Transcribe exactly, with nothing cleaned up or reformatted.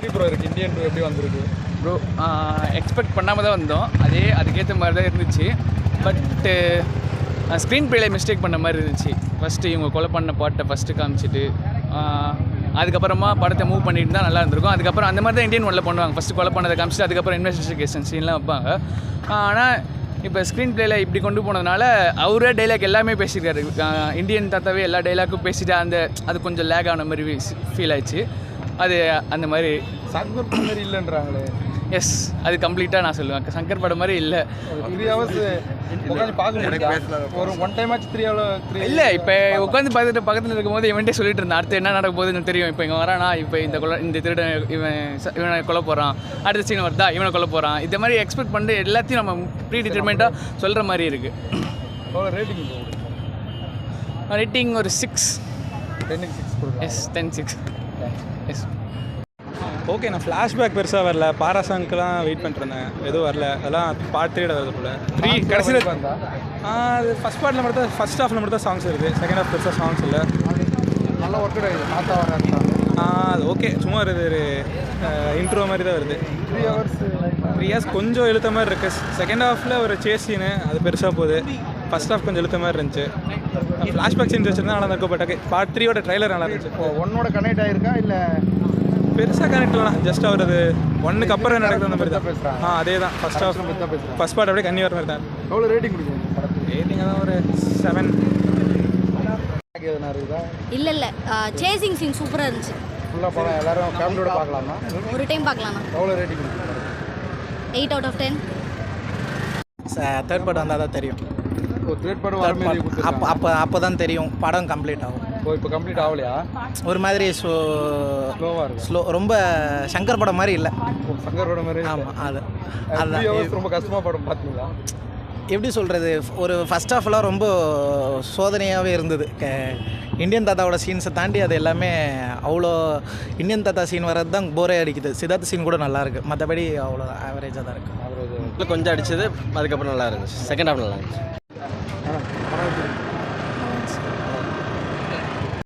எப்படி ப்ரோ இருக்குது Indian two எப்படி வந்திருக்கு ப்ரோ? எக்ஸ்பெக்ட் பண்ணாமல் தான் வந்தோம், அதே அதுக்கேற்ற மாதிரி தான் இருந்துச்சு. பட்டு ஸ்க்ரீன் ப்ளேல மிஸ்டேக் பண்ண மாதிரி இருந்துச்சு. ஃபஸ்ட்டு இவங்க கொலை பண்ண பாட்டை ஃபஸ்ட்டு காமிச்சிட்டு அதுக்கப்புறமா படத்தை மூவ் பண்ணிட்டு தான் நல்லா இருந்திருக்கும். அதுக்கப்புறம் அந்த மாதிரி தான் இந்தியன் ஒன்ல பண்ணுவாங்க, ஃபஸ்ட்டு கொலை பண்ணதை காமிச்சிட்டு அதுக்கப்புறம் இன்வெஸ்டிகேஷன் சீன்லாம் வைப்பாங்க. ஆனால் இப்போ ஸ்க்ரீன் ப்ளேயில் இப்படி கொண்டு போனதுனால அவரே டைலாக் எல்லாமே பேசியிருக்காரு. இந்தியன் தாத்தாவே எல்லா டைலாக்கும் பேசிட்டு அந்த அது கொஞ்சம் லேக் ஆன மாதிரி ஃபீல் ஆயிடுச்சு. அது அந்த மாதிரி சங்கர் படம் மாதிரி இல்லைன்றாங்களே. எஸ், அது கம்ப்ளீட்டாக நான் சொல்லுவேன் சங்கர் படம் மாதிரி இல்லை. த்ரீ ஹவர்ஸ் உட்காந்து பார்க்க முடியாது, ஒரு ஒன் டைம் ஆச்சு த்ரீ ஹவர் இல்லை. இப்போ உட்காந்து பார்த்துட்டு பக்கத்தில் இருக்கும்போது இவன்ட்டே சொல்லிட்டு இருந்தான் அடுத்து என்ன நடக்க போகுதுன்னு தெரியும். இப்போ இங்கே வரானா, இப்போ இந்த கொலை இந்த திருடன் இவன் இவனை கொலை போகிறான், அடுத்த சீன் வருதா இவனை கொலை போகிறான், இந்த மாதிரி எக்ஸ்பெக்ட் பண்ணிட்டு எல்லாத்தையும் நம்ம ப்ரீ டிட்டர்மெண்ட்டாக சொல்கிற மாதிரி இருக்குது. ரேட்டிங் ரேட்டிங் ஒரு சிக்ஸ் டென்னுக்கு சிக்ஸ் கொடுக்கும். Yes, ten six yes. Okay, நான் ஃப்ளாஷ்பேக் பெருசாக வரல, பாரா சாங்க்கு தான் வெயிட் பண்ணிட்டுருந்தேன், எதுவும் வரல. அதெல்லாம் பார்ட் த்ரீட வருது போல. த்ரீ கடைசியில் வந்தா அது ஃபஸ்ட் பார்ட்டில் மட்டும் தான், ஃபஸ்ட் ஹாஃபில் மட்டும் தான் சாங்ஸ் இருக்குது, செகண்ட் ஹாஃப் பெருசாக சாங்ஸ் இல்லை. நல்லா ஒர்க் ஆகிடுது. தாத்தா வராங்க அது ஓகே, சும்மா வருது, ஒரு இன்ட்ரோ மாதிரி தான் வருது. த்ரீ ஹவர்ஸ் த்ரீ ஹவர்ஸ் கொஞ்சம் இழுத்த மாதிரி இருக்குது. செகண்ட் ஹாஃபில் ஒரு சேஸ் சீனு அது பெருசாக போகுது. ஃபஸ்ட் ஹாஃப் கொஞ்சம் இழுத்த மாதிரி இருந்துச்சு. ஃப்ளாஷ்பேக் சீன்ஸ் வச்சுருந்தா நல்லா இருக்கும். பட் பார்ட் த்ரீயோட ட்ரைலர் நல்லா இருந்துச்சு. இப்போ ஒன்னோட கனெக்ட் ஆகிருக்கா இல்லை பெருசாக கனெக்ட் இல்லைனா ஜஸ்ட் அவர் அது ஒன்றுக்கு அப்புறம் நடக்குது அந்த மாதிரி தான் பேசுகிறாங்க. ஆ அதே தான் ஃபஸ்ட் ஹாஃப் பற்றி தான் பேசுகிறேன். ஃபஸ்ட் பார்ட் அப்படியே கண்ணி வர மாதிரி தான். எவ்வளோ ரேட்டிங் கொடுக்கும் படத்துக்கு? ரேட்டிங் தான் ஒரு செவன். எதுனா இருக்குதா? இல்லை இல்லை, சேசிங் சீன் சூப்பராக இருந்துச்சு. ஃபுல்லாக படம் எல்லாரும் ஃபேமிலியோட பார்க்கலாமா? ஒரு டைம் பார்க்கலாம்ண்ணா. எவ்வளோ ரேட்டிங் கொடுக்கும்? Eight out of ten. Third part வந்தால் தான் தெரியும். ஒரு தேர்ட் படம் வர மாதிரி அப்போ கொடுத்துருக்காங்க. அப்போ அப்போ தான் தெரியும் படம் கம்ப்ளீட் ஆகும். ஓ, இப்போ கம்ப்ளீட் ஆகலையா? ஒரு மாதிரி ஸோ ஸ்லோவாக இருக்கும். ஸ்லோ, ரொம்ப சங்கர் படம் மாதிரி இல்லை. சங்கர் படம் மாதிரி. ஆமாம், அது த்ரீ அதுதான். ஹவர்ஸ் ரொம்ப கஷ்டமாக படம் பார்த்தீங்களா? எப்படி சொல்கிறது, ஒரு ஃபஸ்ட் ஹாஃப்லாம் ரொம்ப சோதனையாகவே இருந்தது. க இந்தியன் தாத்தாவோட சீன்ஸை தாண்டி அது எல்லாமே அவ்வளோ இந்தியன் தாத்தா சீன் வர்றது தான் போரே அடிக்குது. சித்தார்த்த சீன் கூட நல்லாயிருக்கு, மற்றபடி அவ்வளோ ஆவரேஜாக தான் இருக்குது. அவர் கொஞ்சம் அடிச்சது, அதுக்கப்புறம் நல்லா இருந்துச்சு. செகண்ட் ஹாஃப் நல்லா இருந்துச்சு.